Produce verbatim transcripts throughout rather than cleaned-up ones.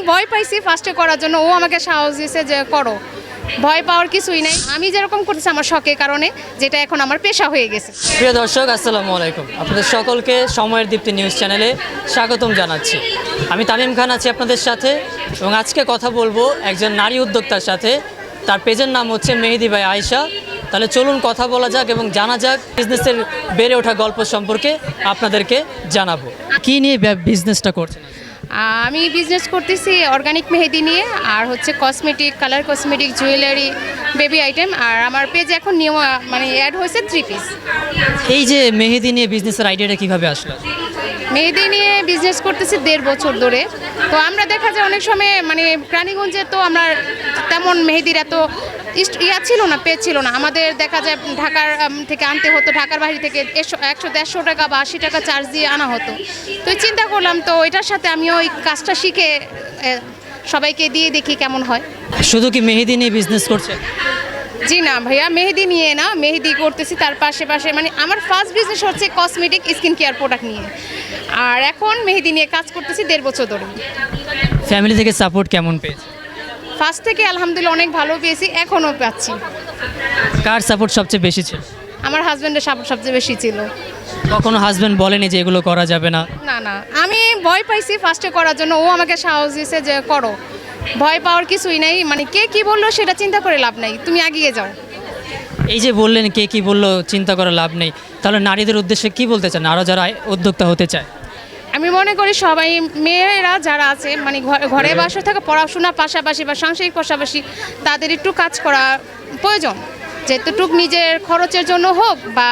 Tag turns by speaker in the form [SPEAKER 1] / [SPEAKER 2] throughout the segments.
[SPEAKER 1] ভয় পাইছি ফার্স্টে করার জন্য, ও আমাকে সাহস দিয়েছে যে করো, ভয় পাওয়ার কিছুই নাই। আমি যেরকম করতেছি আমার শখের কারণে, যেটা এখন আমার পেশা হয়ে গেছে।
[SPEAKER 2] প্রিয় দর্শক, আসসালামু আলাইকুম। আপনাদের সকলকে সময়ের দীপ্তি নিউজ চ্যানেলে স্বাগতম জানাচ্ছি। আমি তামিম খান আছি আপনাদের সাথে, এবং আজকে কথা বলবো একজন নারী উদ্যোক্তার সাথে। তার পেজের নাম হচ্ছে মেহেদি বাই আয়েশা। তাহলে চলুন কথা বলা যাক এবং জানা যাক বিজনেসের বেড়ে ওঠা গল্প সম্পর্কে আপনাদেরকে জানাবো। কী নিয়ে বিজনেসটা করছেন?
[SPEAKER 1] আমি বিজনেস করতেছি অর্গানিক মেহেদি নিয়ে, আর হচ্ছে cosmetic, colour cosmetic, jewellery, baby item. আর আমার পেজে এখন নিয়ম মানে অ্যাড হয়েছে থ্রি পিস।
[SPEAKER 2] এই যে মেহেদি নিয়ে বিজনেসের আইডিয়াটা কীভাবে আসলো?
[SPEAKER 1] মেহেদি নিয়ে বিজনেস করতেছি দেড় বছর ধরে। তো আমরা দেখা যায় অনেক সময় মানে রানীগঞ্জে তো আমরা তেমন মেহেদির এত ইয়া ছিল না, পেজ ছিল না আমাদের। দেখা যায় ঢাকার থেকে আনতে হতো, ঢাকার বাইরে থেকে একশো দেড়শো টাকা বা আশি টাকা চার্জ দিয়ে আনা হতো। তো চিন্তা করলাম তো এটার সাথে আমিও ওই কাজটা শিখে সবাইকে দিয়ে দেখি কেমন হয়।
[SPEAKER 2] শুধু কি মেহেদি নিয়ে বিজনেস করছেন?
[SPEAKER 1] জি না ভাইয়া, মেহেদি নিয়ে না, মেহেদি করতেছি তার পাশে পাশে মানে আমার ফার্স্ট বিজনেস হচ্ছে কসমেটিক স্কিন কেয়ার প্রোডাক্ট নিয়ে, আর এখন মেহেদি নিয়ে কাজ করতেছি দেড় বছর ধরে।
[SPEAKER 2] ফ্যামিলি থেকে সাপোর্ট কেমন পেয়েছে?
[SPEAKER 1] ফার্স্ট থেকে আলহামদুলিল্লাহ অনেক ভালো পেয়েছি, এখনও পাচ্ছি।
[SPEAKER 2] কার সাপোর্ট সবচেয়ে বেশি ছিল?
[SPEAKER 1] আমার হাজব্যান্ডের সাপোর্ট সবচেয়ে বেশি ছিল।
[SPEAKER 2] কখনো হাজব্যান্ড বলেনি যে এগুলো করা যাবে না?
[SPEAKER 1] না না, আমি ভয় পাইছি ফার্স্টে করার জন্য, ও আমাকে সাহস দিয়েছে যে করো, ভয় পাওয়ার কিছুই নাই। মানে কে কি বললো সেটা চিন্তা করে লাভ নাই, তুমি এগিয়ে যাও।
[SPEAKER 2] এই যে বললেন কে কি বললো চিন্তা করে লাভ নেই, তাহলে নারীদের উদ্দেশ্যে কি বলতে চান আরও যারা উদ্যোক্তা হতে চায়?
[SPEAKER 1] আমি মনে করি সবাই মেয়েরা যারা আছে মানে ঘরে বাসা থাকা, পড়াশোনার পাশাপাশি বা সাংসারিক পাশাপাশি তাদের একটু কাজ করা প্রয়োজন। যেটুক নিজের খরচের জন্য হোক বা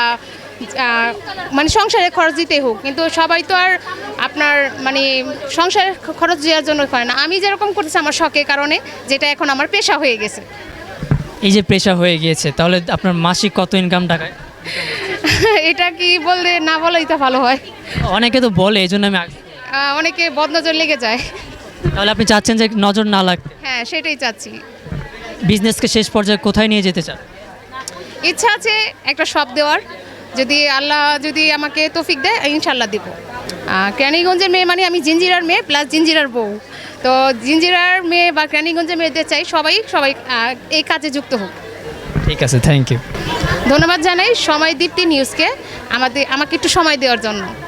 [SPEAKER 1] মানে সংসারের খরচ দিতে হোক, কিন্তু সবাই তো আর আপনার মানে সংসারের খরচ দেওয়ার জন্য করে না। আমি যেরকম করতেছি আমার শখের কারণে, যেটা এখন আমার পেশা হয়ে গেছে।
[SPEAKER 2] এই যে পেশা হয়ে গিয়েছে, তাহলে আপনার মাসিক কত ইনকাম টাকায়?
[SPEAKER 1] এটা কি বললে না বলেই তো ভালো হয়।
[SPEAKER 2] অনেকে তো বলে, এই জন্য আমি
[SPEAKER 1] অনেকে বদনজর লেগে যায়।
[SPEAKER 2] তাহলে আপনি চাচ্ছেন যে নজর না লাগতে?
[SPEAKER 1] হ্যাঁ, সেটাই চাচ্ছি।
[SPEAKER 2] বিজনেসকে শেষ পর্যায়ে কোথায় নিয়ে যেতে চান?
[SPEAKER 1] ইচ্ছা আছে একটা শপ দেওয়ার, যদি আল্লাহ যদি আমাকে তৌফিক দেয় ইনশাল্লাহ দিব। কেরানীগঞ্জের মেয়ে মানে আমি জিঞ্জিরার মেয়ে প্লাস জিঞ্জিরার বউ। তো জিঞ্জিরার মেয়ে বা কেরানীগঞ্জের মেয়েদের চাই সবাই সবাই এই কাজে যুক্ত হোক।
[SPEAKER 2] ঠিক আছে, থ্যাংক ইউ।
[SPEAKER 1] ধন্যবাদ জানাই সময় দীপ্তি নিউজকে আমাদের আমাকে একটু সময় দেওয়ার জন্য।